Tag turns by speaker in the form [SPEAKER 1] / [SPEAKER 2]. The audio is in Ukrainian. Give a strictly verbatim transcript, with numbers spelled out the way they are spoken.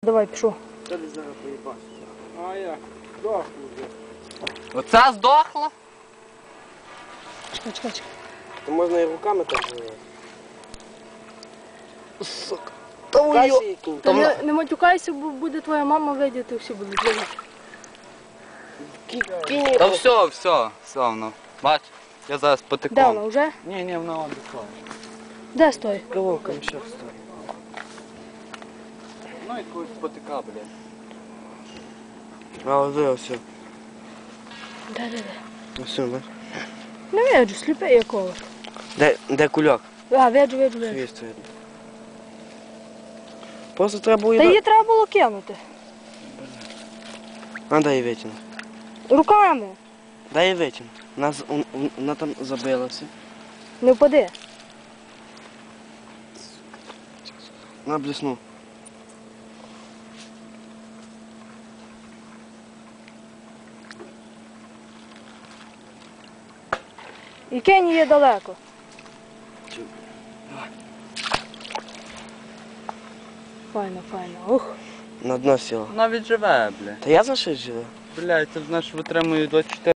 [SPEAKER 1] Давай, пішов.
[SPEAKER 2] Та десь зараз поїбався. А як? Здохну вже.
[SPEAKER 3] Оця здохла?
[SPEAKER 1] Чекай, чекай, чекай.
[SPEAKER 2] То можна і руками так зробити.
[SPEAKER 3] Сука.
[SPEAKER 2] Каші кінь.
[SPEAKER 1] Та не, не матюкайся, бо буде твоя мама видіти, всі будуть видіти.
[SPEAKER 2] Кінь.
[SPEAKER 3] Та все, все, все воно. Бач, я зараз
[SPEAKER 1] Де
[SPEAKER 3] потеком.
[SPEAKER 1] вона, вже?
[SPEAKER 3] Ні, ні, вона он дійшла.
[SPEAKER 1] Де стоїть?
[SPEAKER 2] Головка ще стоїть.
[SPEAKER 3] Ну якусь потека, блядь.
[SPEAKER 2] А ось все.
[SPEAKER 1] Де, де, де?
[SPEAKER 2] Ось, бач.
[SPEAKER 1] Не виджу, сліпий якого.
[SPEAKER 2] Де, де кульок?
[SPEAKER 1] А, виджу, виджу, виджу.
[SPEAKER 2] Хвіст видно. Просто треба було
[SPEAKER 1] Та
[SPEAKER 2] її...
[SPEAKER 1] її треба було кинути.
[SPEAKER 2] А, дай її витягнути.
[SPEAKER 1] Руками.
[SPEAKER 2] Дай її витягнути. Вона, з- ун- ун- вона там забилася.
[SPEAKER 1] Не впади.
[SPEAKER 2] Вона блесну.
[SPEAKER 1] І кинь її далеко. Файно, файно. Ух.
[SPEAKER 2] На дно сіла.
[SPEAKER 3] Вона відживе, блядь.
[SPEAKER 2] Та я за що живе?
[SPEAKER 3] Блядь, це ж наш витримує двадцять чотири.